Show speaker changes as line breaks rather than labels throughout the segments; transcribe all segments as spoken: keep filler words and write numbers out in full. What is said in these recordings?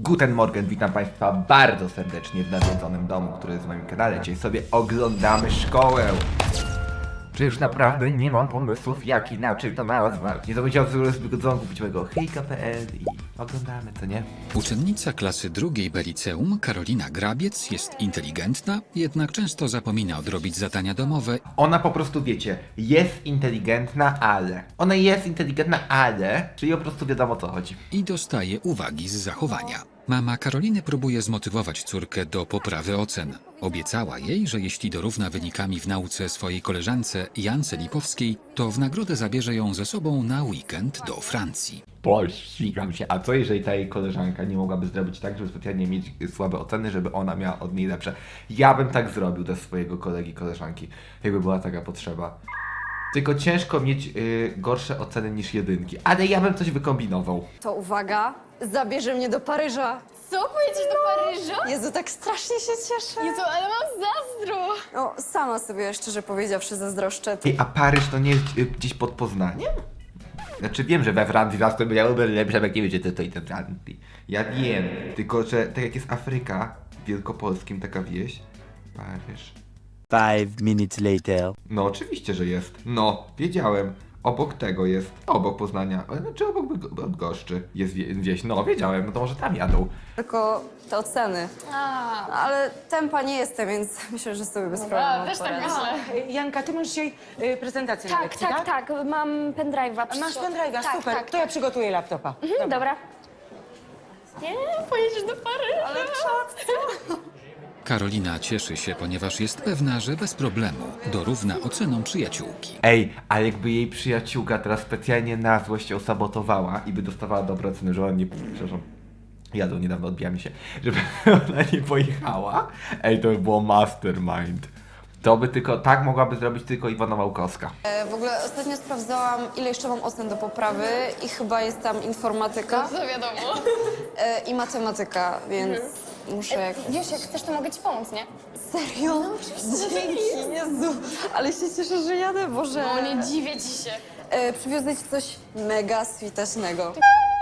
Guten Morgen, witam Państwa bardzo serdecznie w nawiedzonym domu, który jest w moim kanale. Dzisiaj sobie oglądamy szkołę. Czy już naprawdę nie mam pomysłów, jak inaczej to nazwać? Nie zapomniałem sobie kupić mojego hejka kropka pe el i oglądamy, co nie?
Uczennica klasy drugiej B liceum, Karolina Grabiec, jest inteligentna, jednak często zapomina odrobić zadania domowe
Ona po prostu, wiecie, jest inteligentna, ale... Ona jest inteligentna, ale... Czyli po prostu wiadomo, o co chodzi.
i dostaje uwagi z zachowania. Mama Karoliny próbuje zmotywować córkę do poprawy ocen. Obiecała jej, że jeśli dorówna wynikami w nauce swojej koleżance Jance Lipowskiej, to w nagrodę zabierze ją ze sobą na weekend do Francji.
Pościgam się. A co jeżeli ta jej koleżanka nie mogłaby zrobić tak, żeby specjalnie mieć słabe oceny, żeby ona miała od niej lepsze? Ja bym tak zrobił do swojego kolegi, koleżanki, jakby była taka potrzeba. Tylko ciężko mieć yy, gorsze oceny niż jedynki, ale ja bym coś wykombinował.
To uwaga, zabierze mnie do Paryża.
Co? Pojedziesz do Paryża?
Jezu, tak strasznie się cieszę.
Jezu, ale mam zazdro!
No, sama sobie szczerze powiedziawszy zazdroszczę.
Ej, a Paryż to nie jest yy, gdzieś pod Poznaniem? Znaczy wiem, że we Francji zawsze miałyby lepsze, jak nie wiecie, to i te Francji. Ja wiem, tylko że tak jak jest Afryka, w Wielkopolskim taka wieś, Paryż.
Five minutes later.
No oczywiście, że jest. No, wiedziałem. Obok tego jest, obok Poznania, e, znaczy obok Bydg- Bydgoszczy jest wie, wieś. No, wiedziałem, no to może tam jadą.
Tylko te oceny.
A,
Ale tempa nie jestem, więc myślę, że sobie bez problemu
też tak
poradzę.
myślę.
Janka, ty masz dzisiaj y, prezentację na
Tak,
lekcji,
tak,
tak?
tak, mam pendrive'a.
A masz pendrive'a,
tak,
super.
Tak,
To ja przygotuję laptopa.
Mhm, dobra. Nie, pojedziesz do Paryża. Ale
Karolina cieszy się, ponieważ jest pewna, że bez problemu dorówna ocenom przyjaciółki.
Ej, ale jakby jej przyjaciółka teraz specjalnie na złość ją sabotowała i by dostawała dobre oceny, że ona nie... Przepraszam. Jadą niedawno, odbija mi się. Żeby ona nie pojechała. Ej, to by było mastermind. To by tylko, tak mogłaby zrobić tylko Iwona Małkowska.
E, W ogóle ostatnio sprawdzałam, ile jeszcze mam ocen do poprawy i chyba jest tam informatyka
to wiadomo.
e, i matematyka, więc muszę jak...
Wiesz, jak chcesz, to mogę ci pomóc, nie?
Serio? No oczywiście. Dzięki, Jezu. Ale się cieszę, że jadę, Boże.
No, nie dziwię ci się.
E, Przywiozę ci coś mega switacznego.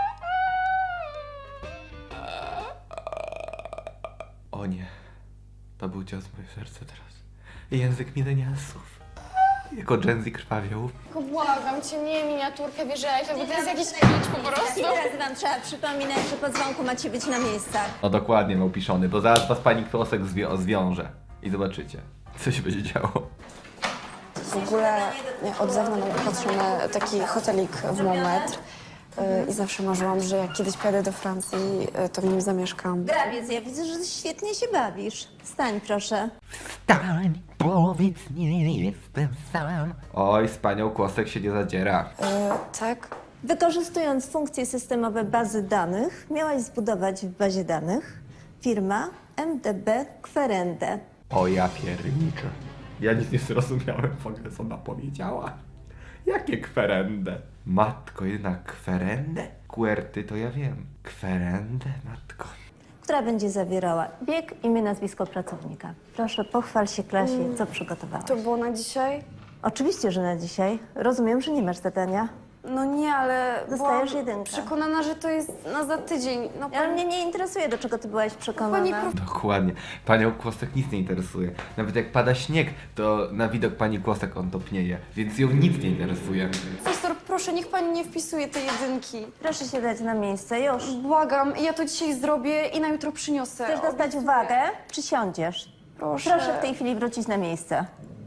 O nie. To był cios w moje serce teraz. Język milenialsów. Jako Gen Z krwawią.
Tylko błagam cię, nie miniaturkę wierzę, bo to jest jakiś kicz po prostu.
Ile razy wam trzeba przypominać, że po dzwonku macie być na miejscach?
No dokładnie, miał piszony, bo zaraz was pani Kłosek zwią zwiąże. I zobaczycie, co się będzie działo.
W ogóle nie, od zewnątrz patrzę na taki hotelik w Montmartre y, i zawsze marzyłam, że jak kiedyś pojadę do Francji, y, to w nim zamieszkam.
Grabiec, ja widzę, że świetnie się bawisz. Wstań proszę.
Stań, powiedz, nie jestem sam. Oj, z panią Kłosek się nie zadziera.
Y, tak?
Wykorzystując funkcje systemowe bazy danych, miałaś zbudować w bazie danych firma M D B Querende.
O ja pierniczę. Ja nic nie zrozumiałem w ogóle, co ona powiedziała. Jakie kwerendę? Matko, jednak kwerendę? Kuerty to ja wiem. Kwerendę, matko.
Która będzie zawierała bieg, imię, nazwisko pracownika. Proszę, pochwal się klasie, co przygotowałaś.
To było na dzisiaj?
Oczywiście, że na dzisiaj. Rozumiem, że nie masz zadania.
No nie, ale
Dostajesz
byłam
jedynkę.
przekonana, że to jest na za tydzień. No,
Ale mnie nie interesuje, do czego ty byłaś przekonana.
Pani prof...
Dokładnie. Panią Kłosek nic nie interesuje. Nawet jak pada śnieg, to na widok pani Kłosek on topnieje. Więc ją nic nie interesuje.
Profesor, proszę, niech pani nie wpisuje tej jedynki.
Proszę się dać na miejsce, już.
Błagam, ja to dzisiaj zrobię i na jutro przyniosę.
Chcesz dostać
Obiecuję.
uwagę? Czy siądziesz?
Proszę.
Proszę w tej chwili wrócić na miejsce.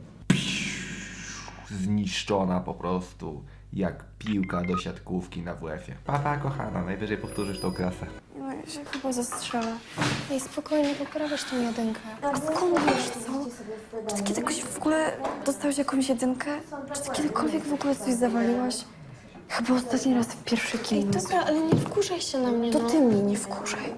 Zniszczona po prostu. Jak piłka do siatkówki na W F-ie. Papa, kochana, najwyżej powtórzysz tą klasę.
No, ja się chyba zastrzelę.
Ej, spokojnie, poprawisz tą jedynkę.
A skąd wiesz, co? Czy ty kiedyś w ogóle dostałeś jakąś jedynkę? Czy ty kiedykolwiek w ogóle coś zawaliłaś? Chyba ostatni raz w pierwszej
Ej,
gimnazjum.
dobra, ale nie wkurzaj się na mnie,
To
no.
ty mnie nie wkurzaj.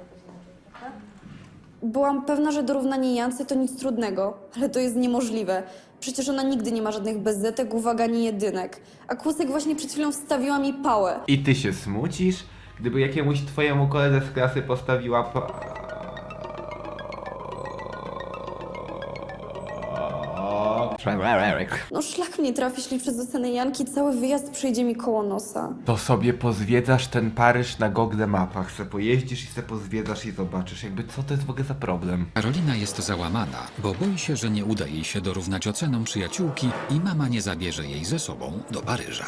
Byłam pewna, że dorównanie Jance to nic trudnego, ale to jest niemożliwe. Przecież ona nigdy nie ma żadnych bezzetek, uwag ani jedynek. A Kłosek właśnie przed chwilą wstawiła mi pałę.
I ty się smucisz, gdyby jakiemuś twojemu koledze z klasy postawiła pa...
No szlak mnie trafi, jeśli przez ocenę Janki cały wyjazd przejdzie mi koło nosa.
To sobie pozwiedzasz ten Paryż na Google Mapach, se pojeździsz i se pozwiedzasz i zobaczysz, jakby co to jest w ogóle za problem.
Karolina jest załamana, bo boi się, że nie uda jej się dorównać ocenom przyjaciółki i mama nie zabierze jej ze sobą do Paryża.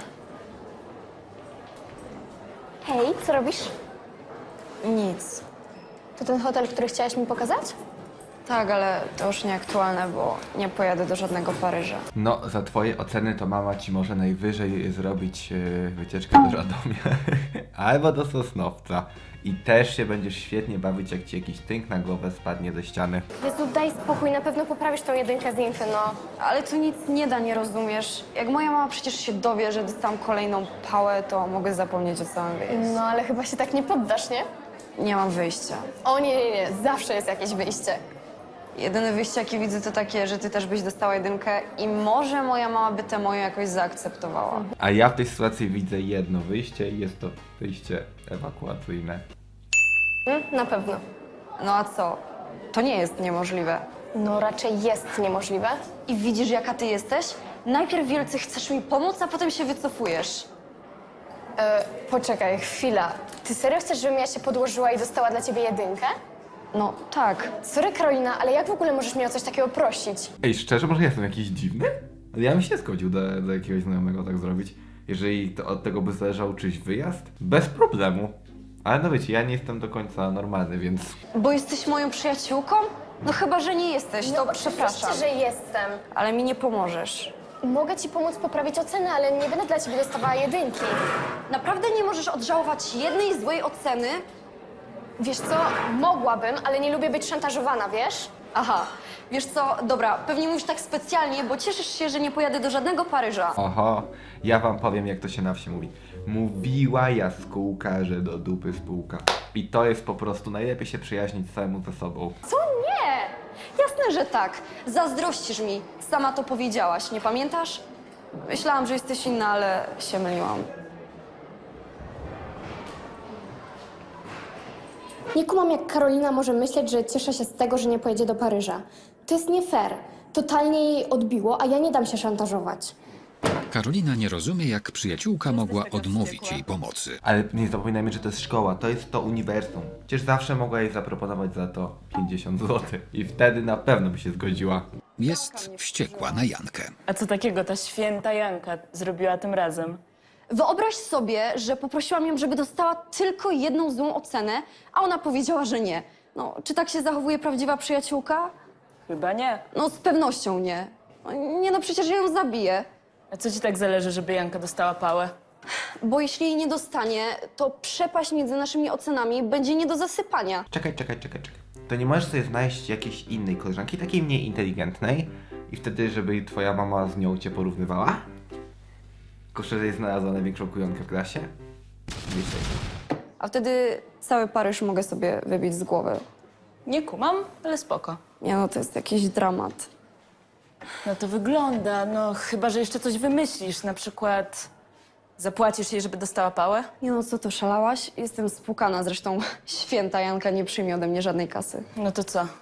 Hej, co robisz?
Nic.
To ten hotel, który chciałaś mi pokazać?
Tak, ale to już nieaktualne, bo nie pojadę do żadnego Paryża.
No, za twoje oceny to mama ci może najwyżej zrobić yy, wycieczkę do Radomia albo do Sosnowca. I też się będziesz świetnie bawić, jak ci jakiś tynk na głowę spadnie ze ściany.
Jezu, daj spokój, na pewno poprawisz tą jedynkę z infy, no.
Ale to nic nie da, nie rozumiesz? Jak moja mama przecież się dowie, że dostałam kolejną pałę, to mogę zapomnieć o całym wyjeździe.
No, ale chyba się tak nie poddasz, nie?
Nie mam wyjścia.
O nie, nie, nie, zawsze jest jakieś wyjście.
Jedyne wyjście, jakie widzę, to takie, że ty też byś dostała jedynkę i może moja mama by tę moją jakoś zaakceptowała.
A ja w tej sytuacji widzę jedno wyjście i jest to wyjście ewakuacyjne.
Mm, na pewno.
No a co? To nie jest niemożliwe.
No, raczej jest niemożliwe.
I widzisz, jaka ty jesteś? Najpierw wielce chcesz mi pomóc, a potem się wycofujesz.
E, poczekaj, chwila. Ty serio chcesz, żebym ja się podłożyła i dostała dla ciebie jedynkę?
No tak.
Sorry, Karolina, ale jak w ogóle możesz mnie o coś takiego prosić?
Ej, szczerze, może ja jestem jakiś dziwny? Ale ja bym się zgodził do, do jakiegoś znajomego tak zrobić. Jeżeli to, od tego by zależał czyjś wyjazd, bez problemu. Ale no wiecie, ja nie jestem do końca normalny, więc...
Bo jesteś moją przyjaciółką? No chyba, że nie jesteś, to
No,
przepraszam.
oczywiście, że jestem.
Ale mi nie pomożesz.
Mogę ci pomóc poprawić ocenę, ale nie będę dla ciebie dostawała jedynki.
Naprawdę nie możesz odżałować jednej złej oceny?
Wiesz co, mogłabym, ale nie lubię być szantażowana, wiesz?
Aha, wiesz co, dobra, pewnie mówisz tak specjalnie, bo cieszysz się, że nie pojadę do żadnego Paryża.
Oho, ja wam powiem, jak to się na wsi mówi. Mówiła jaskółka, że do dupy spółka. I to jest po prostu najlepiej się przyjaźnić samemu ze sobą.
Co nie? Jasne, że tak. Zazdrościsz mi. Sama to powiedziałaś, nie pamiętasz? Myślałam, że jesteś inna, ale się myliłam.
Nie kumam, jak Karolina może myśleć, że cieszę się z tego, że nie pojedzie do Paryża. To jest nie fair. Totalnie jej odbiło, a ja nie dam się szantażować.
Karolina nie rozumie, jak przyjaciółka mogła odmówić jej pomocy.
Ale nie zapominajmy, że to jest szkoła, to jest to uniwersum. Przecież zawsze mogła jej zaproponować za to pięćdziesiąt złotych. I wtedy na pewno by się zgodziła.
Jest wściekła na Jankę.
A co takiego ta święta Janka zrobiła tym razem?
Wyobraź sobie, że poprosiłam ją, żeby dostała tylko jedną złą ocenę, a ona powiedziała, że nie. No, czy tak się zachowuje prawdziwa przyjaciółka?
Chyba nie.
No, z pewnością nie. No, nie no, przecież ja ją zabiję.
A co ci tak zależy, żeby Janka dostała pałę?
Bo jeśli jej nie dostanie, to przepaść między naszymi ocenami będzie nie do zasypania.
Czekaj, czekaj, czekaj, czekaj. To nie możesz sobie znaleźć jakiejś innej koleżanki, takiej mniej inteligentnej i wtedy, żeby twoja mama z nią cię porównywała? Tylko że jej znalazła największą kujonkę w klasie? Wiecie.
A wtedy cały Paryż mogę sobie wybić z głowy.
Nie kumam, ale spoko.
Nie no, to jest jakiś dramat.
No to wygląda, no chyba, że jeszcze coś wymyślisz, na przykład zapłacisz jej, żeby dostała pałę?
Nie no, co to, szalałaś? Jestem spłukana, zresztą święta Janka nie przyjmie ode mnie żadnej kasy.
No to co?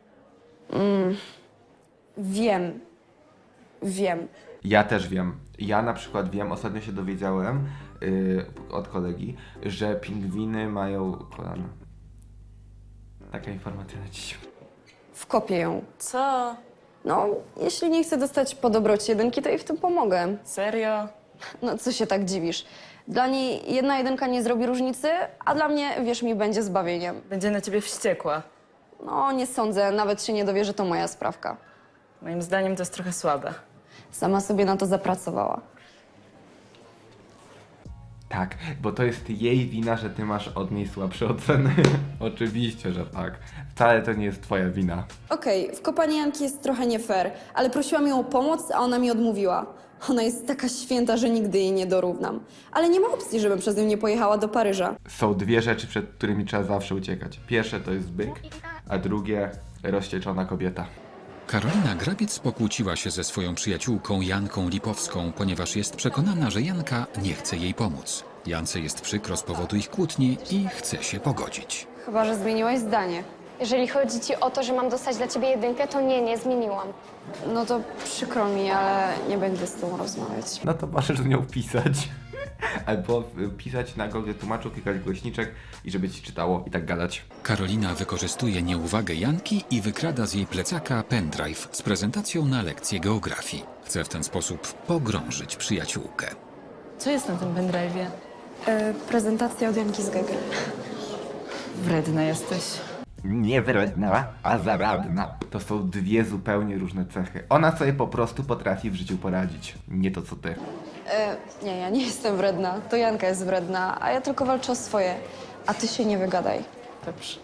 Wiem. Wiem.
Ja też wiem. Ja na przykład wiem, ostatnio się dowiedziałem yy, od kolegi, że pingwiny mają kolana. Taka informacja na dziś.
Wkopię ją.
Co?
No, jeśli nie chce dostać po dobroci jedynki, to jej w tym pomogę.
Serio?
No, co się tak dziwisz? Dla niej jedna jedynka nie zrobi różnicy, a dla mnie, wierz mi, będzie zbawieniem.
Będzie na ciebie wściekła.
No, nie sądzę, nawet się nie dowie, że to moja sprawka.
Moim zdaniem to jest trochę słabe.
Sama sobie na to zapracowała.
Tak, bo to jest jej wina, że ty masz od niej słabsze oceny. Oczywiście, że tak. Wcale to nie jest twoja wina.
Okej, wkopanie Janki jest trochę nie fair, ale prosiłam ją o pomoc, a ona mi odmówiła. Ona jest taka święta, że nigdy jej nie dorównam. Ale nie ma opcji, żebym przez nią nie pojechała do Paryża.
Są dwie rzeczy, przed którymi trzeba zawsze uciekać. Pierwsze to jest byk, a drugie rozścieczona kobieta.
Karolina Grabiec pokłóciła się ze swoją przyjaciółką Janką Lipowską, ponieważ jest przekonana, że Janka nie chce jej pomóc. Jance jest przykro z powodu ich kłótni i chce się pogodzić.
Chyba że zmieniłaś zdanie.
Jeżeli chodzi ci o to, że mam dostać dla ciebie jedynkę, to nie, nie zmieniłam.
No to przykro mi, ale nie będę z tobą rozmawiać.
No to możesz z nią pisać. Albo y, pisać na Google Tłumaczu, klikać głośniczek i żeby ci czytało i tak gadać.
Karolina wykorzystuje nieuwagę Janki i wykrada z jej plecaka pendrive z prezentacją na lekcję geografii. Chce w ten sposób pogrążyć przyjaciółkę.
Co jest na tym pendrive'ie?
E, prezentacja od Janki z Gege.
Wredna jesteś.
Nie wredna, a zaradna. To są dwie zupełnie różne cechy. Ona sobie po prostu potrafi w życiu poradzić. Nie to co ty.
E, nie, ja nie jestem wredna. To Janka jest wredna, a ja tylko walczę o swoje. A ty się nie wygadaj.
Dobrze.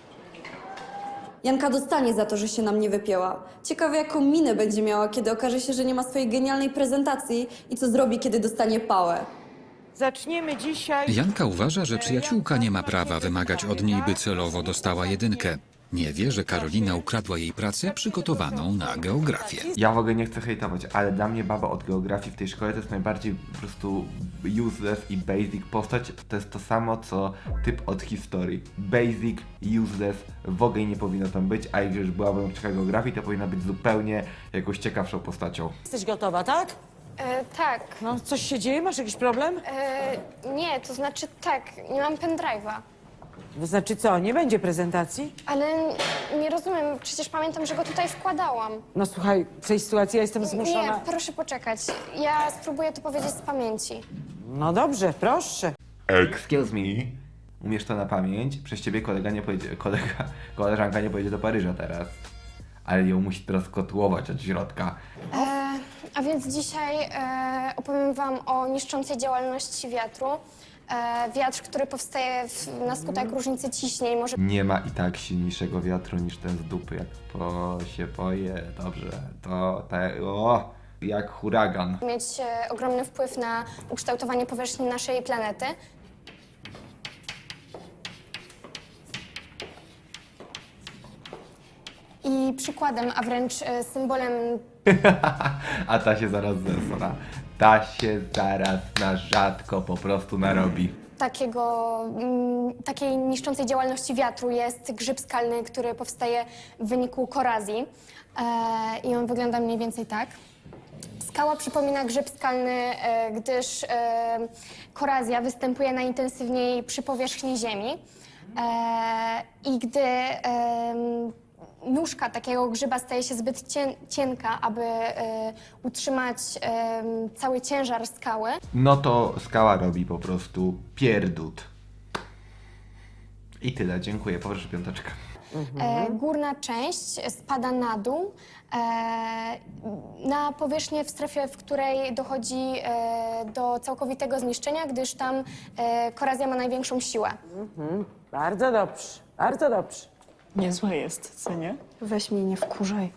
Janka dostanie za to, że się na mnie wypięła. Ciekawe, jaką minę będzie miała, kiedy okaże się, że nie ma swojej genialnej prezentacji i co zrobi, kiedy dostanie pałę.
Zaczniemy dzisiaj...
Janka uważa, że przyjaciółka nie ma prawa wymagać od niej, by celowo dostała jedynkę. Nie wie, że Karolina ukradła jej pracę przygotowaną na geografię.
Ja w ogóle nie chcę hejtować, ale dla mnie baba od geografii w tej szkole to jest najbardziej po prostu useless i basic postać. To jest to samo, co typ od historii. Basic, useless, w ogóle nie powinno tam być, a jak już była nauczycielka geografii, to powinna być zupełnie jakąś ciekawszą postacią.
Jesteś gotowa, tak?
E, tak.
No, coś się dzieje? Masz jakiś problem?
E, nie, to znaczy tak, nie mam pendrive'a.
To znaczy co, nie będzie prezentacji?
Ale nie rozumiem, przecież pamiętam, że go tutaj wkładałam.
No słuchaj, w tej sytuacji ja jestem zmuszona...
Nie, proszę poczekać. Ja spróbuję to powiedzieć z pamięci.
No dobrze, proszę.
Excuse me. Umiesz to na pamięć? Przez ciebie kolega nie pojedzie, kolega, koleżanka nie pojedzie do Paryża teraz. Ale ją musi teraz kotłować od środka.
E, a więc dzisiaj e, opowiem wam o niszczącej działalności wiatru. E, wiatr, który powstaje w, na skutek różnicy ciśnień, może
Nie ma i tak silniejszego wiatru niż ten z dupy. Jak po się poje, dobrze, to te, o, jak huragan.
mieć e, ogromny wpływ na ukształtowanie powierzchni naszej planety. I przykładem, a wręcz e, symbolem
A ta się zaraz zesra. Ta się zaraz na rzadko po prostu narobi.
takiego, mm, takiej niszczącej działalności wiatru jest grzyb skalny, który powstaje w wyniku korozji. E, I on wygląda mniej więcej tak. Skała przypomina grzyb skalny, e, gdyż e, korozja występuje najintensywniej przy powierzchni Ziemi. E, I gdy e, nóżka takiego grzyba staje się zbyt cien, cienka, aby e, utrzymać e, cały ciężar skały,
No to skała robi po prostu pierdut. I tyle, dziękuję, poproszę piąteczkę.
E, górna część spada na dół, e, na powierzchnię w strefie, w której dochodzi e, do całkowitego zniszczenia, gdyż tam e, korozja ma największą siłę.
Bardzo dobrze, bardzo dobrze.
Niezłe jest, co nie?
Weź mnie, nie wkurzaj.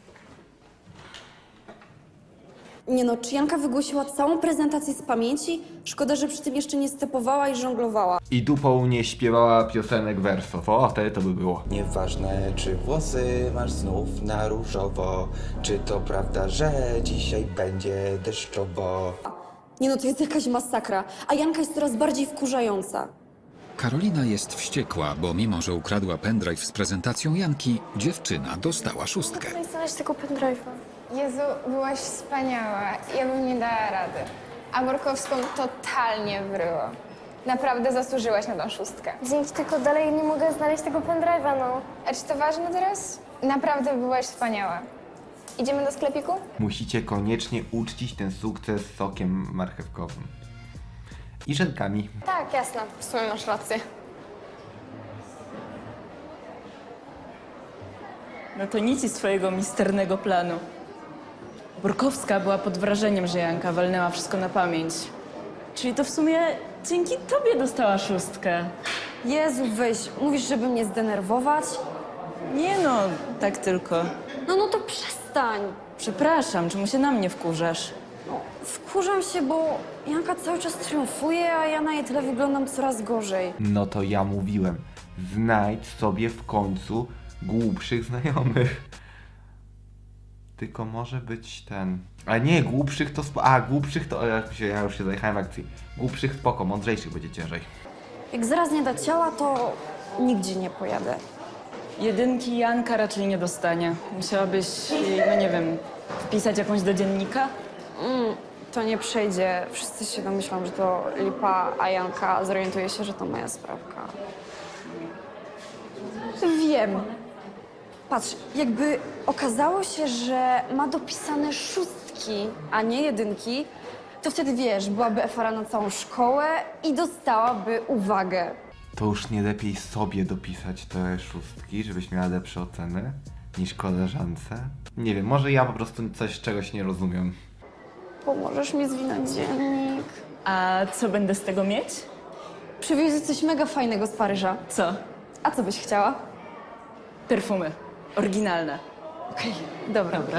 Nie no, czy Janka wygłosiła całą prezentację z pamięci? Szkoda, że przy tym jeszcze nie stepowała i żonglowała.
I dupą nie śpiewała piosenek wersów. O, wtedy to by było.
Nieważne, czy włosy masz znów na różowo, czy to prawda, że dzisiaj będzie deszczowo.
Nie no, to jest jakaś masakra, a Janka jest coraz bardziej wkurzająca.
Karolina jest wściekła, bo mimo, że ukradła pendrive z prezentacją Janki, dziewczyna dostała szóstkę.
Jak znaleźć tego pendrive'a?
Jezu, byłaś wspaniała. Ja bym nie dała rady. A Borkowską totalnie wryło. Naprawdę zasłużyłaś na tą szóstkę.
Dzięki, tylko dalej nie mogę znaleźć tego pendrive'a, no.
A czy to ważne teraz? Naprawdę byłaś wspaniała. Idziemy do sklepiku?
Musicie koniecznie uczcić ten sukces sokiem marchewkowym. I żelkami.
Tak, jasne.
W sumie masz rację.
No to nic z twojego misternego planu. Borkowska była pod wrażeniem, że Janka walnęła wszystko na pamięć. Czyli to w sumie dzięki tobie dostała szóstkę.
Jezu, weź, mówisz, żeby mnie zdenerwować?
Nie no, tak tylko.
No, no to przestań.
Przepraszam, czemu się na mnie wkurzasz?
Wkurzam się, bo Janka cały czas triumfuje, a ja na jej tle wyglądam coraz gorzej.
No to ja mówiłem. Znajdź sobie w końcu głupszych znajomych. Tylko może być ten... Ale nie, głupszych to... Spo... A, głupszych to... Ja już się, ja już się zajechałem w akcji. Głupszych spoko, mądrzejszych będzie ciężej.
Jak zaraz nie da ciała, to nigdzie nie pojadę.
Jedynki Janka raczej nie dostanie. Musiałabyś jej, no nie wiem, wpisać jakąś do dziennika?
Mm, to nie przejdzie. Wszyscy się domyślą, że to lipa, a Janka zorientuje się, że to moja sprawka. Wiem. Patrz, jakby okazało się, że ma dopisane szóstki, a nie jedynki, to wtedy wiesz, byłaby efara na całą szkołę i dostałaby uwagę.
To już nie lepiej sobie dopisać te szóstki, żebyś miała lepsze oceny niż koleżance? Nie wiem, może ja po prostu coś czegoś nie rozumiem.
Pomożesz mi zwinąć dziennik?
A co będę z tego mieć?
Przywiozę coś mega fajnego z Paryża.
Co?
A co byś chciała?
Perfumy. Oryginalne.
Okej, dobra.
Dobra.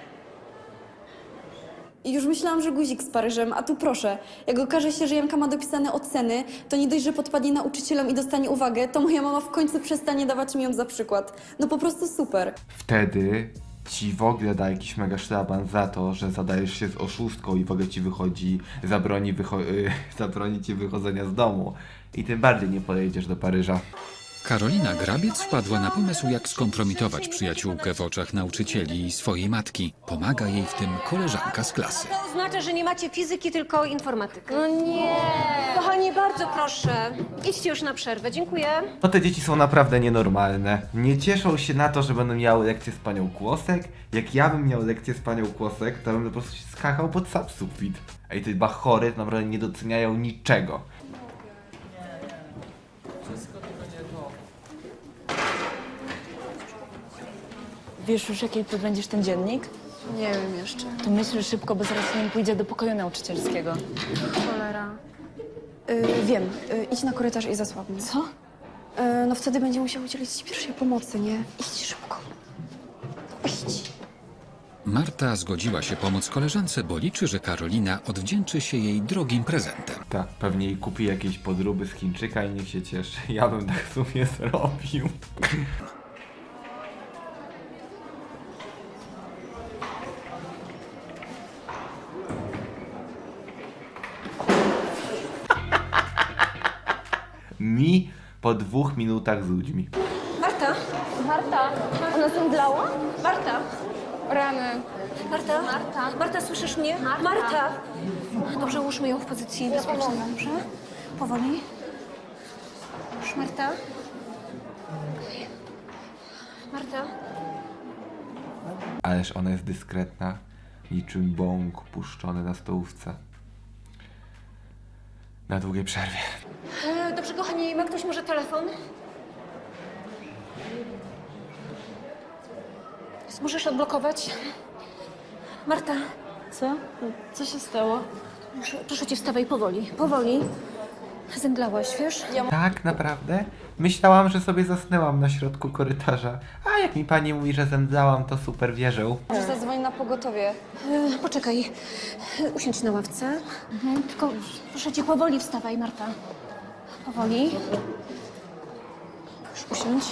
I już myślałam, że guzik z Paryżem, a tu proszę. Jak okaże się, że Janka ma dopisane oceny, to nie dość, że podpadnie nauczycielom i dostanie uwagę, to moja mama w końcu przestanie dawać mi ją za przykład. No po prostu super.
Wtedy ci w ogóle da jakiś mega szlaban za to, że zadajesz się z oszustką i w ogóle ci wychodzi, zabroni, wycho- y, zabroni ci wychodzenia z domu. I tym bardziej nie pojedziesz do Paryża.
Karolina Grabiec wpadła na pomysł, jak skompromitować przyjaciółkę w oczach nauczycieli i swojej matki. Pomaga jej w tym koleżanka z klasy.
To oznacza, że nie macie fizyki, tylko informatykę.
No nie.
Kochani, bardzo proszę, idźcie już na przerwę. Dziękuję.
No te dzieci są naprawdę nienormalne. Nie cieszą się na to, że będą miały lekcję z panią Kłosek. Jak ja bym miał lekcję z panią Kłosek, to bym po prostu się skakał pod sam sufit. Ej, te bachory naprawdę nie doceniają niczego.
Wiesz już, jaki będziesz ten dziennik?
Nie wiem jeszcze.
To myśl szybko, bo zaraz nim pójdzie do pokoju nauczycielskiego.
Cholera. Y, wiem. Y, idź na korytarz i zasłab mnie.
Co?
Y, no wtedy będzie musiał udzielić ci pierwszej pomocy, nie? Idź szybko. Idź.
Marta zgodziła się pomóc koleżance, bo liczy, że Karolina odwdzięczy się jej drogim prezentem.
Tak, pewnie jej kupi jakieś podróby z Chińczyka i niech się cieszy. Ja bym tak w sumie zrobił. Mi po dwóch minutach z ludźmi.
Marta,
Marta,
ona zemdlała? Marta,
rany.
Marta, Marta, Marta, słyszysz mnie? Marta. Dobrze, ułóżmy ją w pozycji bezpiecznej, dobrze? Powoli. Już, Marta. Marta.
Ależ ona jest dyskretna, niczym bąk puszczony na stołówce. Na długiej przerwie.
E, dobrze, kochani, ma ktoś może telefon? Możesz odblokować? Marta,
Co? Co się stało?
proszę, proszę cię, wstawaj powoli, powoli. Zemdlałaś, wiesz?
Tak, naprawdę? Myślałam, że sobie zasnęłam na środku korytarza. A jak mi pani mówi, że zemdlałam, to super wierzę.
Może zadzwoń na pogotowie.
E, poczekaj, e, usiądź na ławce. Tylko proszę cię, powoli wstawaj, Marta. Powoli. Już usiądź.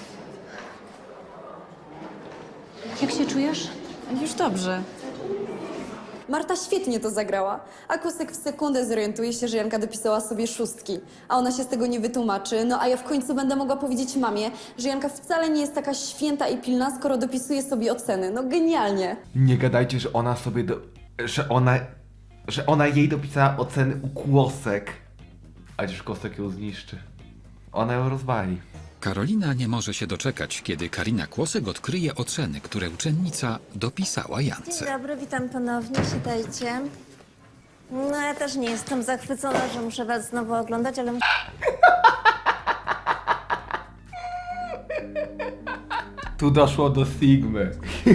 Jak się czujesz?
Już dobrze.
Marta świetnie to zagrała, a Kłosek w sekundę zorientuje się, że Janka dopisała sobie szóstki, a ona się z tego nie wytłumaczy, no a ja w końcu będę mogła powiedzieć mamie, że Janka wcale nie jest taka święta i pilna, skoro dopisuje sobie oceny. No genialnie.
Nie gadajcie, że ona sobie do... że ona... że ona jej dopisała oceny u Kłosek. A już Kłosek ją zniszczy. Ona ją rozwali.
Karolina nie może się doczekać, kiedy Karina Kłosek odkryje oceny, które uczennica dopisała Jance.
Dzień dobry, witam ponownie, siadajcie. No ja też nie jestem zachwycona, że muszę was znowu oglądać, ale muszę...
Tu doszło do Sigmy.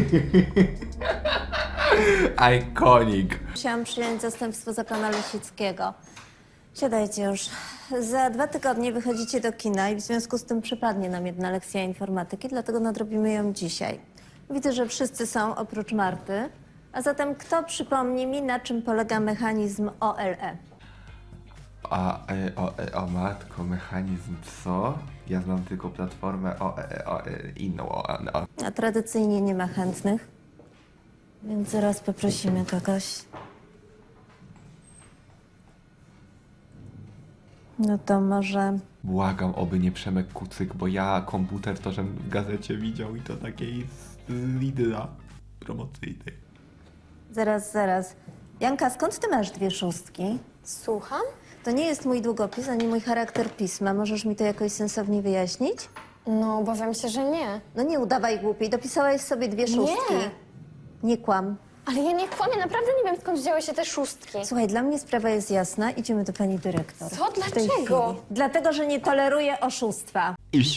Iconic.
musiałam przyjąć zastępstwo za pana Lesickiego. Siadajcie już. Za dwa tygodnie wychodzicie do kina i w związku z tym przypadnie nam jedna lekcja informatyki, dlatego nadrobimy ją dzisiaj. Widzę, że wszyscy są oprócz Marty. A zatem kto przypomni mi, na czym polega mechanizm O L E?
A, e, o, e, o matko, mechanizm co? Ja znam tylko platformę o, e, o, e, inną o, o.
A tradycyjnie nie ma chętnych, więc zaraz poprosimy kogoś. No to może...
Błagam, oby nie Przemek Kucyk, bo ja komputer to, żem w gazecie widział i to takiej z Lidla promocyjnej.
Zaraz, zaraz. Janka, skąd ty masz dwie szóstki?
Słucham?
To nie jest mój długopis, ani mój charakter pisma. Możesz mi to jakoś sensownie wyjaśnić?
No, obawiam się, że nie.
No nie udawaj głupiej, dopisałaś sobie dwie szóstki.
Nie.
Nie kłam.
Ale ja nie kłamię, naprawdę nie wiem, skąd wzięły się te szóstki.
Słuchaj, dla mnie sprawa jest jasna. Idziemy do pani dyrektor.
Co?
W tej
Dlaczego?
chwili. Dlatego, że nie toleruję oszustwa.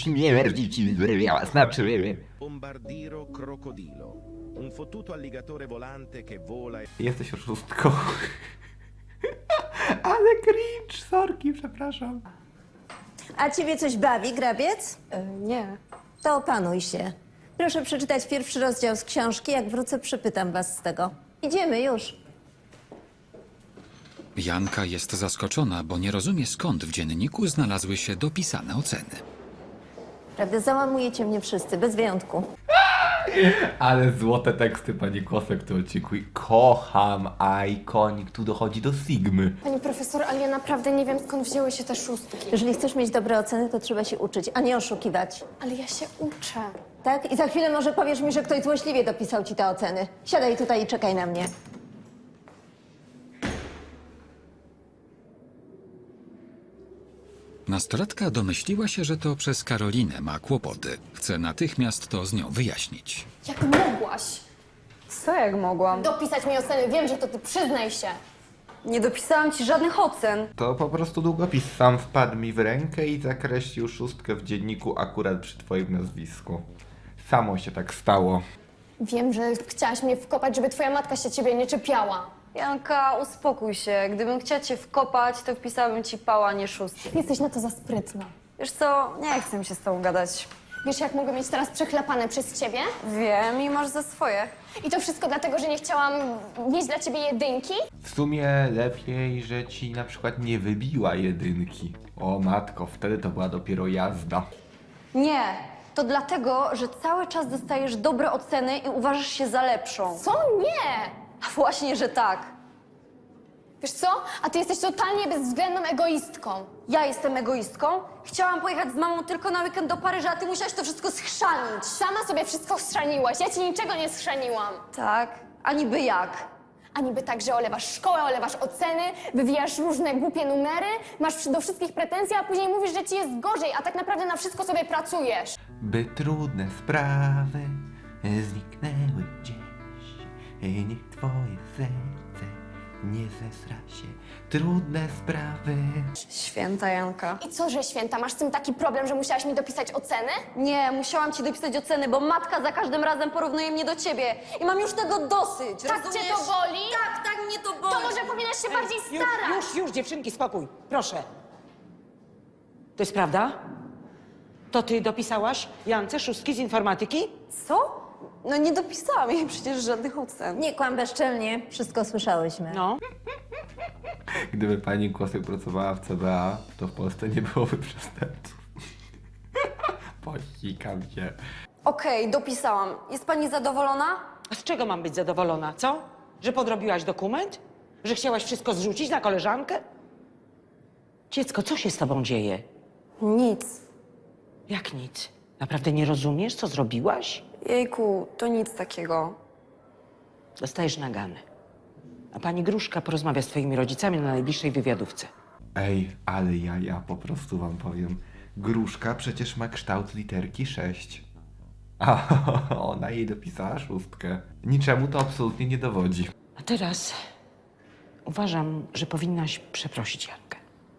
Znaczy,
Bombardiro crocodilo. Un fottuto alligatore volante che vola e...
jesteś oszustką. Ale cringe, sorki, przepraszam.
A ciebie coś bawi, grabiec?
nie.
To opanuj się. Proszę przeczytać pierwszy rozdział z książki. Jak wrócę, przypytam was z tego. Idziemy już.
Janka jest zaskoczona, bo nie rozumie, skąd w dzienniku znalazły się dopisane oceny.
Prawda, załamujecie mnie wszyscy, bez wyjątku.
Ale złote teksty pani Kosek w tym odcinku. I kocham, a ikonik tu dochodzi do Sigmy.
Pani profesor, ale ja naprawdę nie wiem, skąd wzięły się te szóstki.
Jeżeli chcesz mieć dobre oceny, to trzeba się uczyć, a nie oszukiwać.
Ale ja się uczę.
Tak? I za chwilę może powiesz mi, że ktoś złośliwie dopisał ci te oceny. Siadaj tutaj i czekaj na mnie.
Nastolatka domyśliła się, że to przez Karolinę ma kłopoty. Chce natychmiast to z nią wyjaśnić.
Jak mogłaś
Co jak mogłam?
dopisać mi oceny? Wiem, że to ty, przyznaj się.
Nie dopisałam ci żadnych ocen.
To po prostu długopis sam wpadł mi w rękę i zakreślił szóstkę w dzienniku akurat przy twoim nazwisku. Samo się tak stało.
Wiem, że chciałaś mnie wkopać, żeby twoja matka się ciebie nie czepiała.
Janka, uspokój się. Gdybym chciała cię wkopać, to wpisałabym ci pała, nie szóstki.
Jesteś na to za sprytna.
Wiesz co, nie chcę mi się z tobą gadać.
Wiesz, jak mogę mieć teraz przechlapane przez ciebie?
Wiem i masz za swoje.
I to wszystko dlatego, że nie chciałam mieć dla ciebie jedynki?
W sumie lepiej, że ci na przykład nie wybiła jedynki. O matko, wtedy to była dopiero jazda.
Nie, to dlatego, że cały czas dostajesz dobre oceny i uważasz się za lepszą.
Co? Nie!
A właśnie, że tak.
Wiesz co? A ty jesteś totalnie bezwzględną egoistką.
Ja jestem egoistką. Chciałam pojechać z mamą tylko na weekend do Paryża, a ty musiałaś to wszystko schrzanić.
Sama sobie wszystko schrzaniłaś. Ja ci niczego nie schrzaniłam.
Tak, a niby jak?
A niby tak, że olewasz szkołę, olewasz oceny, wywijasz różne głupie numery, masz do wszystkich pretensje, a później mówisz, że ci jest gorzej, a tak naprawdę na wszystko sobie pracujesz.
By trudne sprawy zniknęły gdzieś. Niech twoje serce nie zesra się. Trudne sprawy.
Święta Janka.
I co, że święta? Masz z tym taki problem, że musiałaś mi dopisać oceny?
Nie, musiałam ci dopisać oceny, bo matka za każdym razem porównuje mnie do ciebie. I mam już tego dosyć,
Tak
rozumiesz?
cię to boli?
Tak, tak mnie to boli.
To może powinnaś się bardziej
Już,
starać.
już, już, dziewczynki, spokój. Proszę. To jest prawda? To ty dopisałaś Jance szóstki z informatyki?
Co? No nie dopisałam jej przecież żadnych ocen.
Nie kłam bezczelnie, wszystko słyszałyśmy.
No.
Gdyby pani Kosek pracowała w C B A, to w Polsce nie byłoby przestępców. Posikam się.
Okej, dopisałam. Jest pani zadowolona?
A z czego mam być zadowolona, co? Że podrobiłaś dokument? Że chciałaś wszystko zrzucić na koleżankę? Dziecko, co się z tobą dzieje?
Nic.
Jak nic? Naprawdę nie rozumiesz, co zrobiłaś?
Jejku, to nic takiego.
Dostajesz nagany. A pani Gruszka porozmawia z twoimi rodzicami na najbliższej wywiadówce.
Ej, ale ja, ja po prostu wam powiem. Gruszka przecież ma kształt literki sześć. A ona jej dopisała szóstkę. Niczemu to absolutnie nie dowodzi.
A teraz uważam, że powinnaś przeprosić Jankę.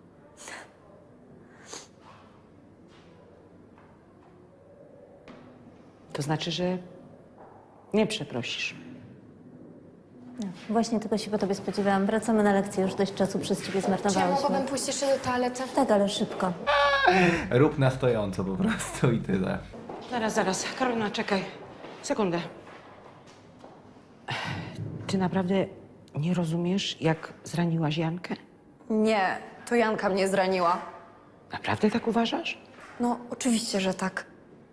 To znaczy, że nie przeprosisz.
Właśnie tego się po tobie spodziewałam. Wracamy na lekcję, już dość czasu przez ciebie
Czy ja
zmarnowałyśmy.
mogłabym pójść jeszcze do toalety?
Tak, ale szybko.
Rób na stojąco po prostu i tyle.
Zaraz, zaraz. Karolina, czekaj. Sekundę. Ty naprawdę nie rozumiesz, jak zraniłaś Jankę?
Nie, to Janka mnie zraniła.
Naprawdę tak uważasz?
No, oczywiście, że tak.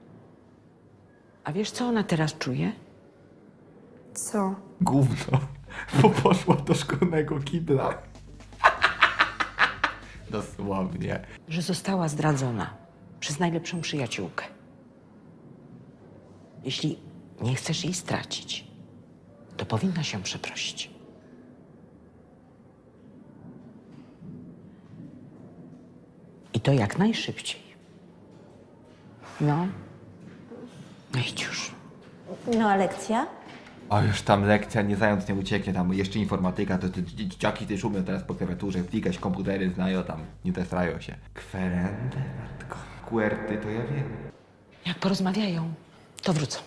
A wiesz, co ona teraz czuje?
Co?
Gówno, bo poszła do szkolnego kibla. Dosłownie.
Że została zdradzona przez najlepszą przyjaciółkę. Jeśli nie chcesz jej stracić, to powinna się przeprosić. I to jak najszybciej. No, no idź już.
No a lekcja?
O, już tam lekcja, nie zając nie ucieknie, tam jeszcze informatyka, to te dzieciaki też umią teraz po klawiaturze klikać, komputery znają tam, nie testrają się. Kwerendę, matko. Kuerty, to ja wiem.
Jak porozmawiają, to wrócą.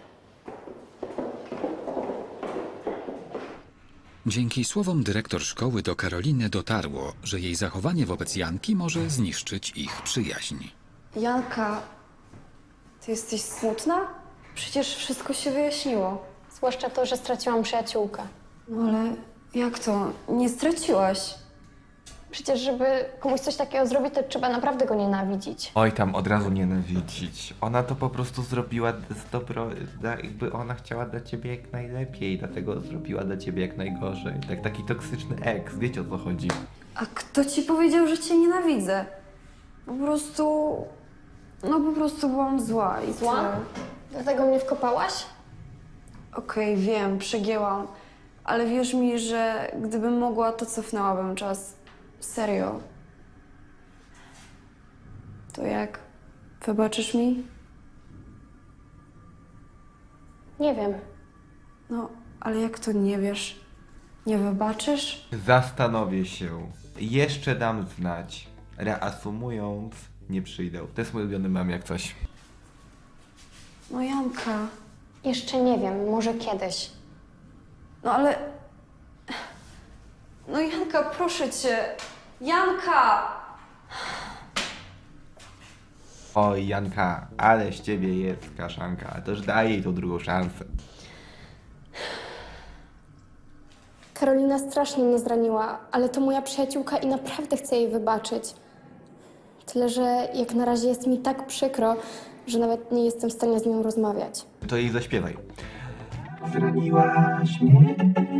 Dzięki słowom dyrektor szkoły do Karoliny dotarło, że jej zachowanie wobec Janki może zniszczyć ich przyjaźń.
Janka, ty jesteś smutna? Przecież wszystko się wyjaśniło.
Zwłaszcza to, że straciłam przyjaciółkę.
No ale jak to? Nie straciłaś.
Przecież, żeby komuś coś takiego zrobić, to trzeba naprawdę go nienawidzić.
Oj, tam od razu nienawidzić. Ona to po prostu zrobiła z dobro, da- jakby ona chciała dla ciebie jak najlepiej, dlatego zrobiła dla ciebie jak najgorzej. Tak, taki toksyczny ex, wiecie o co chodzi.
A kto ci powiedział, że cię nienawidzę? Po prostu... No po prostu byłam zła i
Zła?
tyle.
Dlatego mnie wkopałaś?
Okej, wiem, przegięłam. Ale wierz mi, że gdybym mogła, to cofnęłabym czas. Serio. To jak? Wybaczysz mi?
Nie wiem.
No, ale jak to nie wiesz? Nie wybaczysz?
Zastanowię się. Jeszcze dam znać. Reasumując, nie przyjdę. To jest mój ulubiony mem jak coś.
No Janka.
Jeszcze nie wiem, może kiedyś.
No ale... No Janka, proszę cię. Janka!
Oj, Janka, ale z ciebie jest kaszanka. To już daj jej tą drugą szansę.
Karolina strasznie mnie zraniła, ale to moja przyjaciółka i naprawdę chcę jej wybaczyć. Tyle, że jak na razie jest mi tak przykro, że nawet nie jestem w stanie z nią rozmawiać.
To jej zaśpiewaj.
Zraniłaś mnie,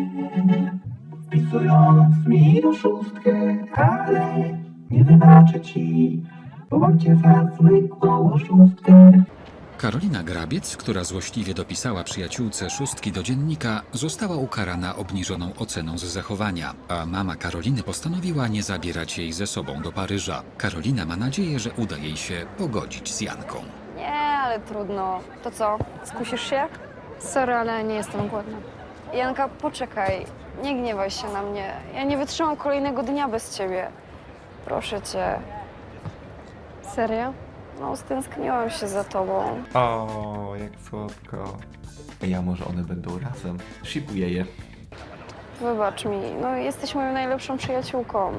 wpisując mi do szóstkę, ale nie wybaczę ci, bo mam cię za zwykłą oszustkę.
Karolina Grabiec, która złośliwie dopisała przyjaciółce szóstki do dziennika, została ukarana obniżoną oceną z zachowania, a mama Karoliny postanowiła nie zabierać jej ze sobą do Paryża. Karolina ma nadzieję, że uda jej się pogodzić z Janką.
Nie, ale trudno. To co? Skusisz się?
Sorry, ale nie jestem głodna.
Janka, poczekaj. Nie gniewaj się na mnie. Ja nie wytrzymam kolejnego dnia bez ciebie. Proszę cię.
Serio?
No, stęskniłam się za tobą.
O, jak słodko. Ej, a może one będą razem? Shipuję je.
Wybacz mi. No, jesteś moją najlepszą przyjaciółką.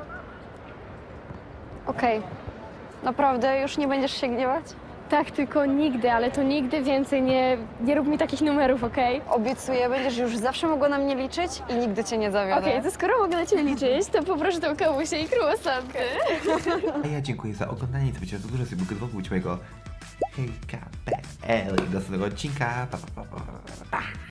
Okej.
Naprawdę? Już nie będziesz się gniewać?
Tak, tylko nigdy, ale to nigdy więcej nie, nie rób mi takich numerów, okej?
Obiecuję, będziesz już zawsze mogła na mnie liczyć i nigdy cię nie zawiodę.
Okej, to skoro mogę na ciebie liczyć, to poproszę tą kawusię i kruasanty.
A ja dziękuję za oglądanie. Co dużo sobie mógł być mojego hejka, p l i do następnego odcinka. Pa, pa, pa, pa.